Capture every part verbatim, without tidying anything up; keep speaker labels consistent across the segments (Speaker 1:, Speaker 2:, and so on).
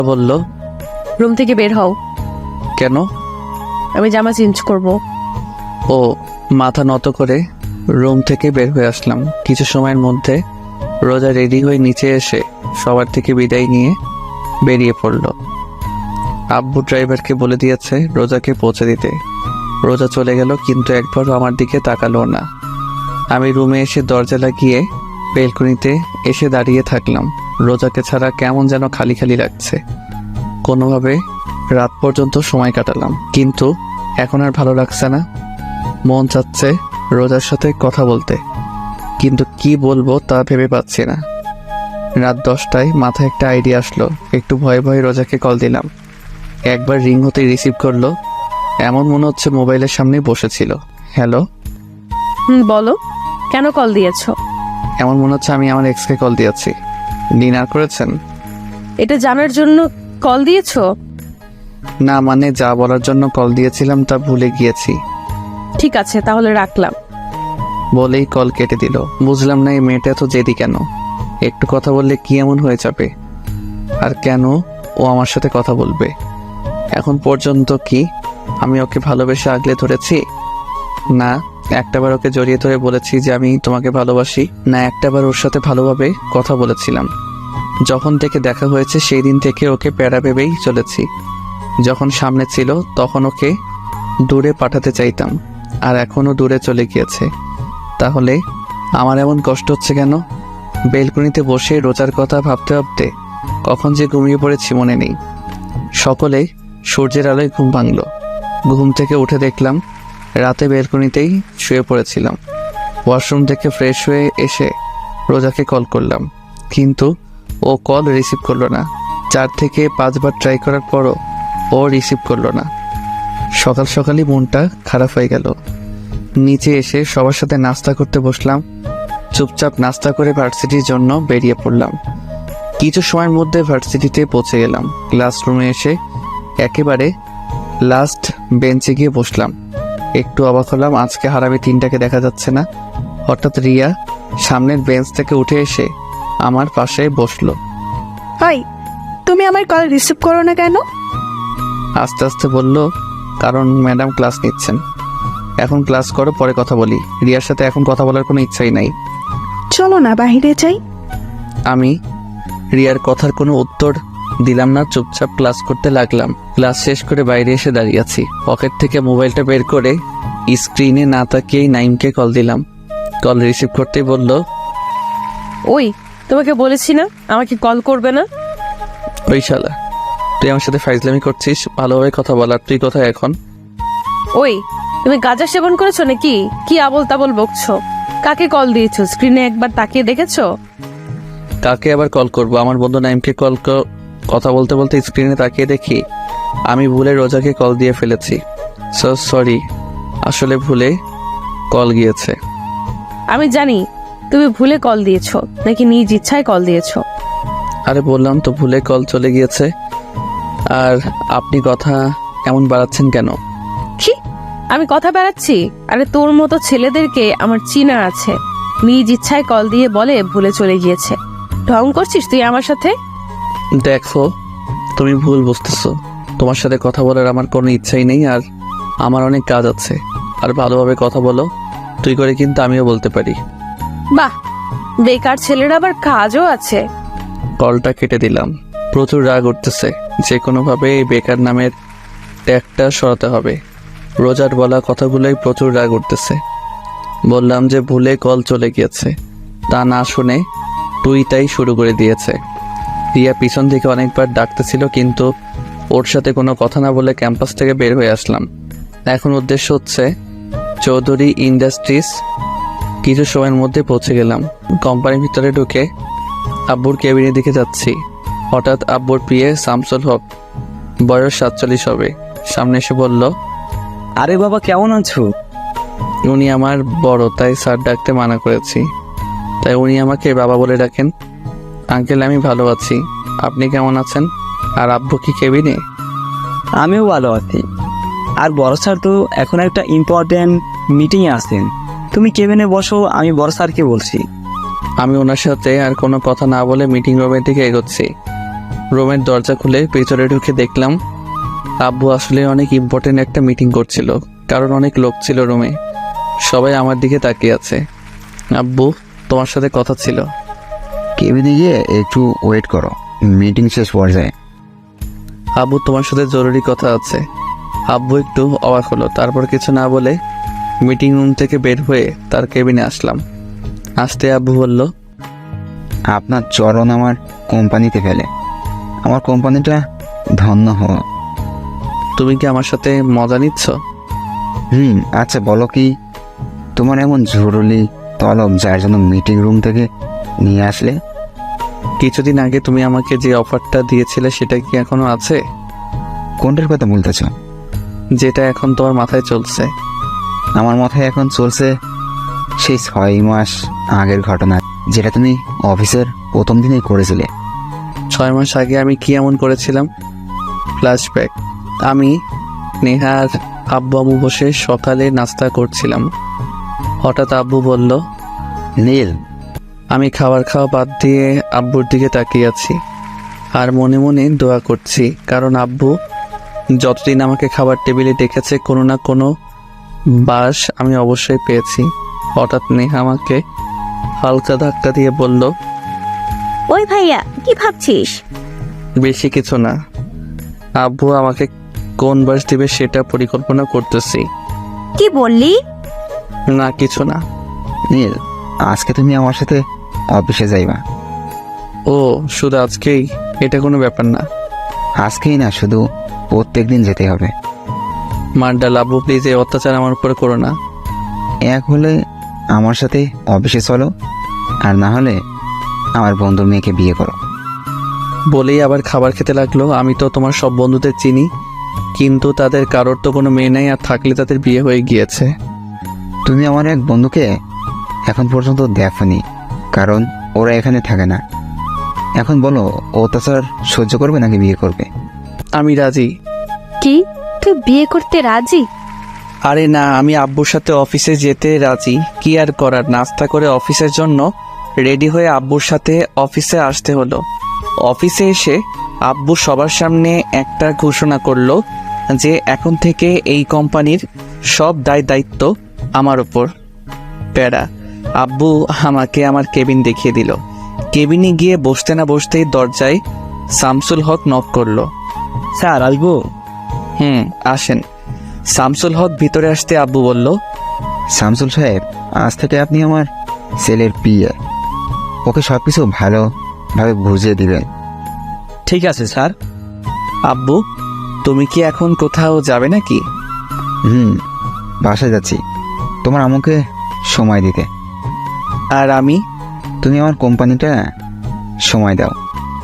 Speaker 1: বলল,
Speaker 2: রুম থেকে বের হও।
Speaker 1: কেন?
Speaker 2: আমি জামা চেঞ্জ করব।
Speaker 1: ও মাথা নত করে রুম থেকে বের হয়ে আসলাম। কিছু সময়ের মধ্যে রোজা রেডি হয়ে নিচে এসে সবার থেকে বিদায় নিয়ে বেরিয়ে পড়ল। আব্বু ড্রাইভারকে বলে দিয়েছে রোজাকে পৌঁছে দিতে। রোজা চলে গেল, কিন্তু একবারও আমার দিকে তাকালো না। আমি রুমে এসে দরজা লাগিয়ে বেলকনিতে এসে দাঁড়িয়ে থাকলাম। রোজাকে ছাড়া কেমন যেন খালি খালি লাগছে। কোনোভাবে রাত পর্যন্ত সময় কাটালাম, কিন্তু এখন আর ভালো লাগছে না। মন চাচ্ছে রোজার সাথে কথা বলতে, কিন্তু কি বলবো তা ভেবে পাচ্ছি না। রাত দশটায় মাথায় একটা আইডিয়া আসলো। একটু ভয়ে ভয়ে রোজাকে কল দিলাম। একবার রিং হতেই রিসিভ করলো। এমন মনে হচ্ছে মোবাইলের সামনে বসেছিল। হ্যালো।
Speaker 2: হুম, বলো, কেন কল দিয়েছো?
Speaker 1: এমন মনে হচ্ছে আমি আমার এক্সকে কল দিয়েছি। ডিনার করেছেন?
Speaker 2: এটা জানার জন্য কল দিয়েছো?
Speaker 1: না, মানে যা বলার জন্য কল দিয়েছিলাম তা ভুলে গিয়েছি।
Speaker 2: ঠিক আছে, তাহলে রাখলাম।
Speaker 1: বলেই কল কেটে দিল। বুঝলাম না এই মেয়েটা এত জেদি কেন। একটু কথা বললে কি এমন হয়ে যাবে? আর কেন ও আমার সাথে কথা বলবে? এখন পর্যন্ত কি আমি ওকে ভালোবেসে আগলে ধরেছি? না একটাবার ওকে জড়িয়ে ধরে বলেছি যে আমি তোমাকে ভালোবাসি। না একটাবার ওর সাথে ভালোভাবে কথা বলেছিলাম। যখন থেকে দেখা হয়েছে সেই দিন থেকে ওকে প্যারা ভেবেই চলেছি। যখন সামনে ছিল তখন ওকে দূরে পাঠাতে চাইতাম, আর এখনও দূরে চলে গিয়েছে। তাহলে আমার এমন কষ্ট হচ্ছে কেন? বেলকনিতে বসে রোজার কথা ভাবতে ভাবতে কখন যে ঘুমিয়ে পড়েছি মনে নেই। সকলে সূর্যের আলোয় ঘুম ভাঙল। ঘুম থেকে উঠে দেখলাম রাতে বেলকনিতেই শুয়ে পড়েছিলাম। ওয়াশরুম থেকে ফ্রেশ হয়ে এসে রোজাকে কল করলাম, কিন্তু ও কল রিসিভ করলো না। চার থেকে পাঁচবার ট্রাই করার পরও ও রিসিভ করলো না। সকাল সকালই মনটা খারাপ হয়ে গেল। নিচে এসে সবার সাথে নাস্তা করতে বসলাম। চুপচাপ নাস্তা করে ভার্সিটির জন্য বেরিয়ে পড়লাম। কিছু সময়ের মধ্যে ভার্সিটিতে পৌঁছে গেলাম। ক্লাসরুমে এসে একেবারে লাস্ট বেঞ্চে গিয়ে বসলাম। একটু অবাক হলাম, আজকে হারামি তিনটাকে দেখা যাচ্ছে না। হঠাৎ রিয়া সামনের বেঞ্চ থেকে উঠে এসে আমার পাশে বসলো।
Speaker 3: হাই, তুমি আমার কল রিসিভ করো না কেন?
Speaker 1: আস্তে আস্তে বলল, কারণ ম্যাডাম ক্লাস নিচ্ছেন। এখন ক্লাস করো, পরে কথা বলি। রিয়ার সাথে এখন কথা বলার কোনো ইচ্ছাই নাই।
Speaker 3: চলো না বাইরে যাই।
Speaker 1: আমি রিয়ার কথার কোনো উত্তর দিলাম না, চুপচাপ ক্লাস করতে লাগলাম। ক্লাস শেষ করে বাইরে এসে দাঁড়িয়ে আছি। পকেট থেকে মোবাইলটা বের করে স্ক্রিনে না তাকিয়েই নাইমকে কল দিলাম। কল রিসিভ করতেই বলল,
Speaker 2: ওই, তোমাকে বলেছি না আমাকে কল করবে না?
Speaker 1: ওই শালা, তুই আমার সাথে ফাইজলামি করছিস? ভালোভাবে কথা বলার, তুই কোথায় এখন?
Speaker 2: ওই, তুমি গাঁজা সেবন করেছো নাকি? কি আবল তাবল বকছো? কাকে কল দিয়েছো? স্ক্রিনে একবার তাকিয়ে দেখেছো?
Speaker 1: কাকে আবার কল করব? আমার বন্ধু নাইমকে কল। কথা বলতে বলতে স্ক্রিনে তাকিয়ে দেখি আমি ভুলে রোজাকে কল দিয়ে ফেলেছি। সো সরি, আসলে ভুলে কল গিয়েছে।
Speaker 2: আমি জানি তুমি ভুলে কল দিয়েছো নাকি নিজ ইচ্ছায় কল দিয়েছো।
Speaker 1: আরে বললাম তো ভুলে কল চলে গিয়েছে। আর আপনি কথা এমন বাড়াচ্ছেন কেন?
Speaker 2: কি আমি কথা বেড়াচ্ছি? আরে তোর মতো ছেলেদেরকে আমার চিনা আছে। নিজ ইচ্ছায় কল দিয়ে বলে ভুলে চলে গিয়েছে। ঢং করছিস তুই আমার সাথে?
Speaker 1: দেখো, তুমি ভুল বুঝতেছো। তোমার সাথে কথা বলার আমার কোনো ইচ্ছাই নেই, আর আমার অনেক কাজ আছে। আর ভালোভাবে কথা বলো, তুই করে কিন্তু আমিও বলতে পারি।
Speaker 2: বাহ, বেকার ছেলের আবার কাজও আছে।
Speaker 1: কলটা কেটে দিলাম। প্রচুর রাগ উঠতেছে। যে কোনোভাবে এই বেকার নামের ট্যাগটা সরাতে হবে। রোজার বলা কথাগুলোই প্রচুর রাগ উঠতেছে। বললাম যে ভুলে কল চলে গিয়েছে, তা না শুনে তুই তাই শুরু করে দিয়েছে। রিয়া পিছন থেকে অনেকবার ডাকতেছিল, কিন্তু ওর সাথে কোনো কথা না বলে ক্যাম্পাস থেকে বের হয়ে আসলাম। এখন উদ্দেশ্য হচ্ছে চৌধুরী ইন্ডাস্ট্রিজ। কিছু সময়ের মধ্যে পৌঁছে গেলাম। কোম্পানির ভিতরে ঢুকে আব্বুর কেবিনের দিকে যাচ্ছি। হঠাৎ আব্বুর প্রিয়ে শামসুল হক, বয়স সাতচল্লিশ হবে, সামনে এসে বলল,
Speaker 4: আরে বাবা, কেমন আছো?
Speaker 1: উনি আমার বড়, তাই স্যার ডাকতে মানা করেছি, তাই উনি আমাকে বাবা বলে ডাকেন। আঙ্কেল, আমি ভালো আছি, আপনি কেমন আছেন? আর আব্বু কি কেবিনে?
Speaker 4: আমিও ভালো আছি। আর বড় স্যার তো এখন একটা ইম্পর্টেন্ট মিটিংয়ে আছেন। তুমি কেবিনে বসো, আমি বড় স্যারকে বলছি।
Speaker 1: আমি ওনার সাথে আর কোনো কথা না বলে মিটিং রুমের দিকে এগোচ্ছি। রুমের দরজা খুলে ভেতরে ঢুকে দেখলাম আব্বু আসলে অনেক ইম্পর্টেন্ট একটা মিটিং করছিল, কারণ অনেক লোক ছিল রুমে। সবাই আমার দিকে তাকিয়ে আছে। আব্বু, তোমার সাথে কথা ছিল।
Speaker 5: কেবিনে গিয়ে একটু ওয়েট করো, মিটিং শেষ পর্যায়ে।
Speaker 1: আব্বু, তোমার সাথে জরুরি কথা আছে। আব্বু একটু অবাক হলো, তারপর কিছু না বলে মিটিং রুম থেকে বের হয়ে তার কেবিনে আসলাম। আসতে আব্বু বলল,
Speaker 5: আপনার চরণ আমার কোম্পানিতে ফেলে আমার কোম্পানিটা ধন্য হও।
Speaker 1: তুমি কি আমার সাথে মজা নিচ্ছ?
Speaker 5: হুম আচ্ছা বলো কি তোমার এমন জরুরি তলব যার জন্য মিটিং রুম থেকে নিয়ে আসলে?
Speaker 1: কিছুদিন আগে তুমি আমাকে যে অফারটা দিয়েছিলে সেটা কি এখনো আছে?
Speaker 5: কোনটার কথা বলতেছ?
Speaker 1: যেটা এখন তোমার মাথায় চলছে।
Speaker 5: আমার মাথায় এখন চলছে সেই ছয় মাস আগের ঘটনা, যেটা তুমি অফিসের প্রথম দিনেই করেছিলে।
Speaker 1: ছয় মাস আগে আমি কি এমন করেছিলাম? ফ্ল্যাশব্যাক। আমি নেহার আব্বু আম্মু বসে সকালে নাস্তা করছিলাম। হঠাৎ আব্বু বলল,
Speaker 5: নীল,
Speaker 1: আমি খাবার খাওয়া বাদ দিয়ে আব্বুর দিকে তাকিয়ে আছি আর মনে মনে দোয়া করছি, কারণ আব্বু যতদিন আমাকে খাবার টেবিলে ডেকেছে কোনো না কোনো বাস আমি অবশ্যই পেয়েছি। হঠাৎ নেহা আমাকে হালকা ধাক্কা দিয়ে বলল,
Speaker 6: ওই ভাইয়া কি ভাবছিস?
Speaker 1: বেশি কিছু না, আব্বু আমাকে কোন বাস দিবে সেটা পরিকল্পনা করতেছি।
Speaker 6: কি বললি?
Speaker 1: না কিছু না।
Speaker 5: নীল, আজকে তুমি আমার সাথে অফিসে যাইবা।
Speaker 1: ও শুধু আজকেই? এটা কোনো ব্যাপার না।
Speaker 5: আজকেই না, শুধু প্রত্যেক দিন যেতে হবে।
Speaker 1: মার্ডাল, আব্বু প্লিজ এই অত্যাচার আমার উপরে করো না।
Speaker 5: এক হলে আমার সাথে অফিসে চলো, আর না হলে আমার বন্ধুর মেয়েকে বিয়ে করো।
Speaker 1: বলেই আবার খাবার খেতে লাগলো। আমি তো তোমার সব বন্ধুদের চিনি, কিন্তু তাদের কারোর তো কোনো মেয়ে নেই, আর থাকলে তাদের বিয়ে হয়ে গিয়েছে।
Speaker 5: তুমি আমার এক বন্ধুকে এখন পর্যন্ত দেখোনি, কারণ ওরা এখানে থাকে না। এখন বলো, অত্যাচার সহ্য করবে নাকি বিয়ে করবে?
Speaker 1: আমি রাজি।
Speaker 6: কি, তুই বিয়ে করতে রাজি?
Speaker 1: আরে না, আমি আব্বুর সাথে অফিসে যেতে রাজি। কি আর করার, নাস্তা করে অফিসের জন্য রেডি হয়ে আব্বুর সাথে অফিসে আসতে হলো। অফিসে এসে আব্বু সবার সামনে একটা ঘোষণা করলো যে এখন থেকে এই কোম্পানির সব দায় দায়িত্ব আমার উপর। প্যারা। আব্বু আমাকে আমার কেবিন দেখিয়ে দিল। কেবিনে গিয়ে বসতে না বসতেই দরজায় শামসুল হক নক করলো।
Speaker 4: স্যার আসবো?
Speaker 1: হুম আসেন। শামসুল হক ভিতরে আসতে আব্বু বলল,
Speaker 5: শামসুল সাহেব, আজ থেকে আপনি আমার ছেলের পিয়ে। ওকে সব কিছু ভালোভাবে বুঝিয়ে দিবেন।
Speaker 4: ঠিক আছে স্যার।
Speaker 1: আব্বু তুমি কি এখন কোথাও যাবে নাকি?
Speaker 5: হুম বাসায় যাচ্ছি তোমার আমাকে সময় দিতে।
Speaker 1: আর আমি?
Speaker 5: তুমি আমার কোম্পানিটা সময় দাও।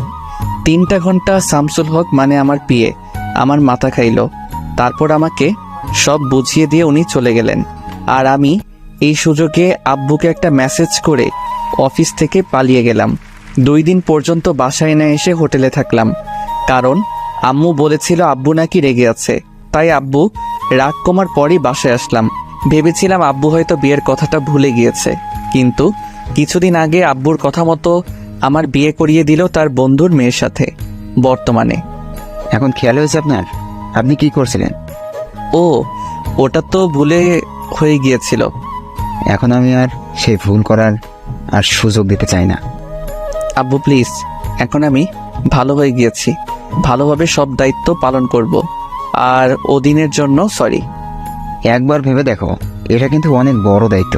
Speaker 1: তিনটা ঘন্টা শামসুল হক মানে আমার পিয়ে আমার মাথা খাইল। তারপর আমাকে সব বুঝিয়ে দিয়ে উনি চলে গেলেন। আর আমি এই সুযোগে আব্বুকে একটা মেসেজ করে অফিস থেকে পালিয়ে গেলাম। দুই দিন পর্যন্ত বাসায় না এসে হোটেলে থাকলাম, কারণ আম্মু বলেছিল আব্বু নাকি রেগে আছে। তাই আব্বু রাগ কমার পরই বাসায় আসলাম। ভেবেছিলাম আব্বু হয়তো বিয়ের কথাটা ভুলে গিয়েছে, কিন্তু কিছুদিন আগে আব্বুর কথা মতো আমার বিয়ে করিয়ে দিল তার বন্ধুর মেয়ের সাথে। বর্তমানে
Speaker 5: এখন খেয়াল হয়েছে আপনার? আপনি কি করছিলেন?
Speaker 1: ও ওটা তো ভুলে হয়ে গিয়েছিল।
Speaker 5: এখন আমি আর সেই ভুল করার আর সুযোগ দিতে চাই না।
Speaker 1: আব্বু প্লিজ, এখন আমি ভালো হয়ে গিয়েছি, ভালোভাবে সব দায়িত্ব পালন করব। আর ওদিনের জন্য সরি।
Speaker 5: একবার ভেবে দেখো, এটা কিন্তু অনেক বড় দায়িত্ব।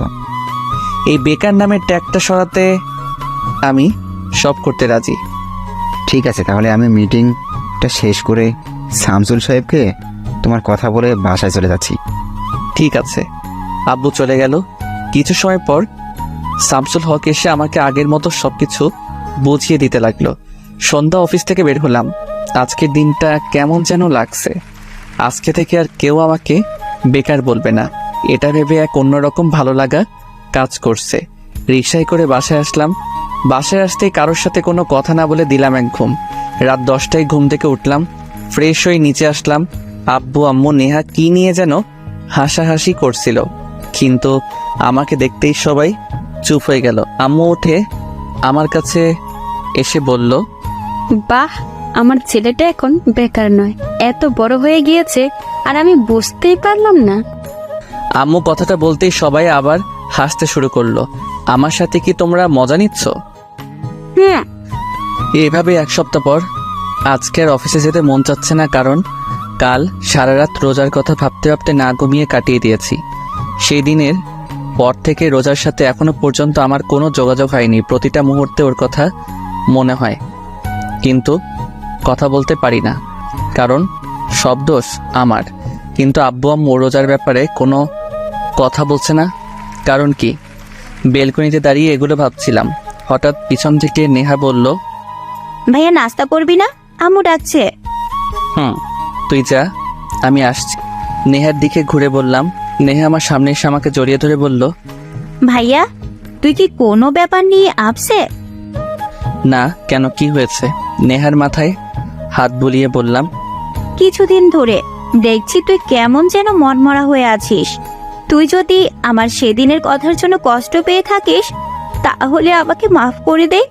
Speaker 1: এই বেকার নামের ট্যাগটা সরাতে আমি সব করতে রাজি।
Speaker 5: ঠিক আছে, তাহলে আমি মিটিংটা শেষ করে শামসুল সাহেবকে তোমার কথা বলে বাসায় চলে যাচ্ছি।
Speaker 1: ঠিক আছে। আব্বু চলে গেল। কিছু সময় পর শামসুল হক এসে আমাকে আগের মতো সবকিছু বুঝিয়ে দিতে লাগলো। সন্ধ্যা অফিস থেকে বের হলাম। আজকের দিনটা কেমন যেন লাগছে। আজকে থেকে আর কেউ আমাকে বেকার বলবে না, এটা ভেবে এক অন্যরকম ভালো লাগা কাজ করছে। রিকশায় করে বাসায় আসলাম। বাসায় আসতেই কারোর সাথে কোনো কথা না বলে দিলাম এক ঘুম। রাত দশটায় ঘুম থেকে উঠলাম, ফ্রেশ হয়ে নিচে আসলাম। আব্বু আম্মু নেহা কি নিয়ে যেন হাসাহাসি করছিল, কিন্তু আমাকে দেখতেই সবাই চুপ হয়ে গেল। আম্মু উঠে আমার কাছে এসে বলল,
Speaker 6: বাহ, আমার ছেলেটা এখন বেকার নয়, এত বড় হয়ে গিয়েছে আর আমি বুঝতেই পারলাম না।
Speaker 1: আম্মু কথাটা বলতেই সবাই আবার হাসতে শুরু করলো। আমার সাথে কি তোমরা মজা নিচ্ছ?
Speaker 6: হুম।
Speaker 1: এইভাবে এক সপ্তাহ পর আজকের অফিসে যেতে মন চাচ্ছে না, কারণ কাল সারা রাত রোজার কথা ভাবতে ভাবতে না ঘুমিয়ে কাটিয়ে দিয়েছি। সেই দিনের পর থেকে রোজার সাথে এখনো পর্যন্ত আমার কোনো যোগাযোগ হয়নি। প্রতিটা মুহূর্তে ওর কথা মনে হয়, কিন্তু কথা বলতে পারি না, কারণ সব দোষ আমার। কিন্তু আব্বু আম্মু রোজার ব্যাপারে কোনো কথা বলছে না, কারণ কি? বেলকনিতে দাঁড়িয়ে এগুলো ভাবছিলাম। হঠাৎ পিছন থেকে নেহা বলল,
Speaker 6: ভাইয়া নাস্তা করবি না? আম্মু ডাকছে।
Speaker 1: হুম, তুই যা, আমি আসছি। নেহার দিকে ঘুরে বললাম। নেহা আমার সামনে এসে আমাকে জড়িয়ে ধরে বলল,
Speaker 6: ভাইয়া তুই কি কোনো ব্যাপার নিয়ে আপসে?
Speaker 1: না, কেন, কি হয়েছে? নেহার মাথায় হাত বুলিয়ে বললাম,
Speaker 6: কিছুদিন ধরে দেখছি তুই কেমন যেন মনমরা হয়ে আছিস। তুই যদি আমার সেদিনের কথার জন্য কষ্ট পেয়ে থাকিস তাহলে আমাকে মাফ করে দে।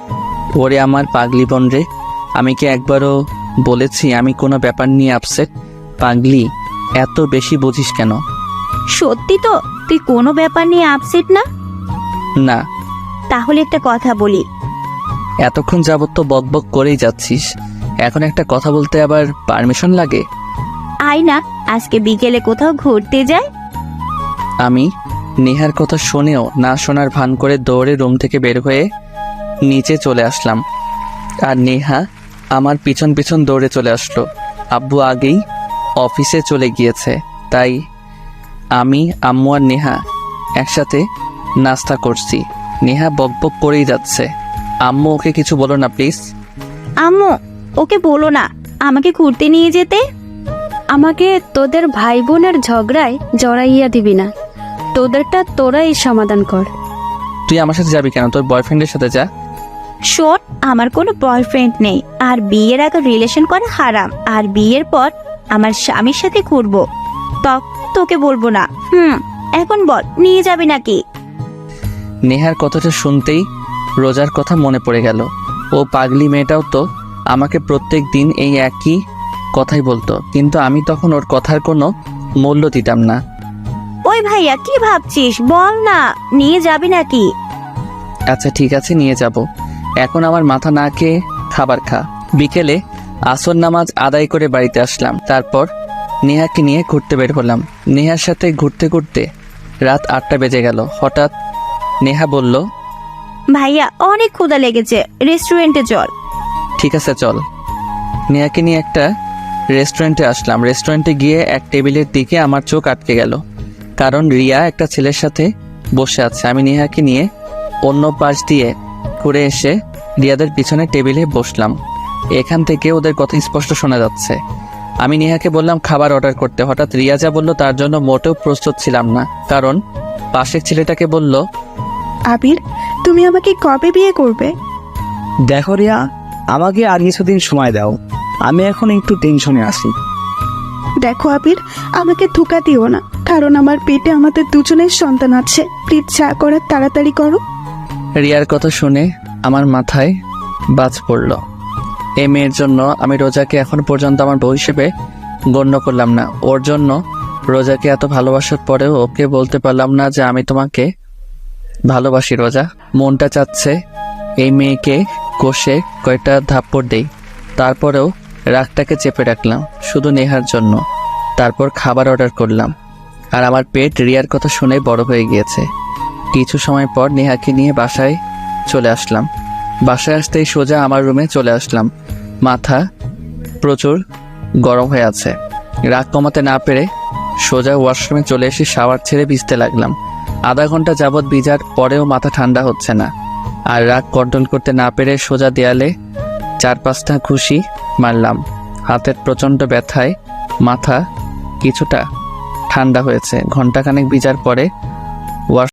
Speaker 1: ওরে আমার পাগলি বোন রে, আমি কি একবারও বলেছি আমি কোনো ব্যাপার নিয়ে আপসেট? পাগলি, এত বেশি বুঝিস কেন?
Speaker 6: সত্যি তো তুই কোনো ব্যাপার নিয়ে আপসেট না?
Speaker 1: না।
Speaker 6: তাহলে একটা কথা বলি।
Speaker 1: এতক্ষণ যাবত তো বকবক করেই যাচ্ছিস, এখন একটা কথা বলতে আবার পারমিশন লাগে?
Speaker 6: আয় না, আজকে বিকেলে কোথাও ঘুরতে যায়।
Speaker 1: আমি নেহার কথা শুনেও না শোনার ভান করে দৌড়ে রুম থেকে বের হয়ে নিচে চলে আসলাম, আর নেহা আমার পিছন পিছন দৌড়ে চলে আসলো। আব্বু আগেই অফিসে চলে গিয়েছে, তাই আমি, আম্মু আর নেহা একসাথে নাস্তা করছি। নেহা বকবক করেই যাচ্ছে। আম্মু, ওকে কিছু বলো না প্লিজ।
Speaker 6: আম্মু ওকে বলো না আমাকে ঘুরতে নিয়ে যেতে।
Speaker 7: আমাকে তোদের ভাই বোনের ঝগড়ায় জড়াইয়া দিবি না, তোদেরটা তোরাই সমাধান কর।
Speaker 1: তুই আমার সাথে যাবি কেন? তোর বয়ফ্রেন্ডের সাথে যা।
Speaker 6: শোন, আমার কোনো বয়ফ্রেন্ড নেই, আর বিয়ের আগে রিলেশন করা হারাম, আর বিয়ের পর আমার স্বামীর সাথে ঘুরবো, তখন তোকে বলবো না। হুম, এখন বল নিয়ে যাবি নাকি?
Speaker 1: নেহার কথাটা শুনতেই রোজার কথা মনে পড়ে গেল। ও পাগলি মেয়েটাও তো আমাকে প্রত্যেক দিন এই একই কথাই বলতো, কিন্তু আমি তখন ওর কথার কোনো মূল্য দিতাম না।
Speaker 6: ওই ভাইয়া কি ভাবছিস, বল না নিয়ে যাবি নাকি?
Speaker 1: আচ্ছা ঠিক আছে, নিয়ে যাব। এখন আমার মাথা না খেয়ে খাবার খা। বিকেলে আসর নামাজ আদায় করে বাড়িতে আসলাম, তারপর নেহাকে নিয়ে ঘুরতে বের হলাম। নেহার সাথে ঘুরতে ঘুরতে রাত আটটা বেজে গেল। হঠাৎ নেহা বলল,
Speaker 6: ভাইয়া অনেক ক্ষুধা লেগেছে, রেস্টুরেন্টে চল।
Speaker 1: ঠিক আছে চল। নেহাকে নিয়ে একটা রেস্টুরেন্টে আসলাম। রেস্টুরেন্টে গিয়ে এক টেবিলের দিকে আমার চোখ আটকে গেল, কারণ রিয়া একটা ছেলের সাথে বসে আছে। আমি নেহাকে নিয়ে অন্য পাশ দিয়ে ঘুরে এসে রিয়াদের পিছনে টেবিলে বসলাম। এখান থেকে ওদের কথা স্পষ্ট শোনা যাচ্ছে। আমি নেহাকে বললাম খাবার অর্ডার করতে। হঠাৎ রিয়া যা বলল তার জন্য মোটেও প্রস্তুত ছিলাম না, কারণ পাশের ছেলেটাকে বলল,
Speaker 3: আবির, তুমি আমাকে কবে বিয়ে করবে?
Speaker 4: দেখো রিয়া, আমাকে আর কিছুদিন সময় দাও, আমি এখন একটু টেনশনে আছি।
Speaker 3: দেখো আবির, আমাকে ধোকা দিও না, কারণ আমার পেটে আমাদের দুজনের সন্তান আছে। প্লিজ যা করার তাড়াতাড়ি করো।
Speaker 1: রিয়ার কথা শুনে আমার মাথায় বাজ পড়ল। এই মেয়ের জন্য আমি রোজাকে এখন পর্যন্ত আমার বউ হিসেবে গণ্য করলাম না। ওর জন্য রোজাকে এত ভালোবাসার পরেও ওকে বলতে পারলাম না যে আমি তোমাকে ভালোবাসি। রোজা, মনটা চাচ্ছে এই মেয়েকে কষে কয়টা থাপ্পড় দেই, তারপরেও রাগটাকে চেপে রাখলাম শুধু নেহার জন্য। তারপর খাবার অর্ডার করলাম, আর আমার পেট রিয়ার কথা শুনে বড় হয়ে গিয়েছে। কিছু সময় পর নেহাকে নিয়ে বাসায় চলে আসলাম। বাসায় আসতেই সোজা আমার রুমে চলে আসলাম। মাথা প্রচুর গরম হয়ে আছে। রাগ কমাতে না পেরে সোজা ওয়াশরুমে চলে এসে শাওয়ার ছেড়ে ভিজতে লাগলাম। আধা ঘন্টা যাবৎ ভিজার পরেও মাথা ঠান্ডা হচ্ছে না, আর রাগ কন্ট্রোল করতে না পেরে সোজা দেয়ালে চার পাঁচটা ঘুষি মারলাম। হাতের প্রচণ্ড ব্যথায় মাথা কিছুটা ঠান্ডা হয়েছে। ঘন্টাখানেক ভিজার পরে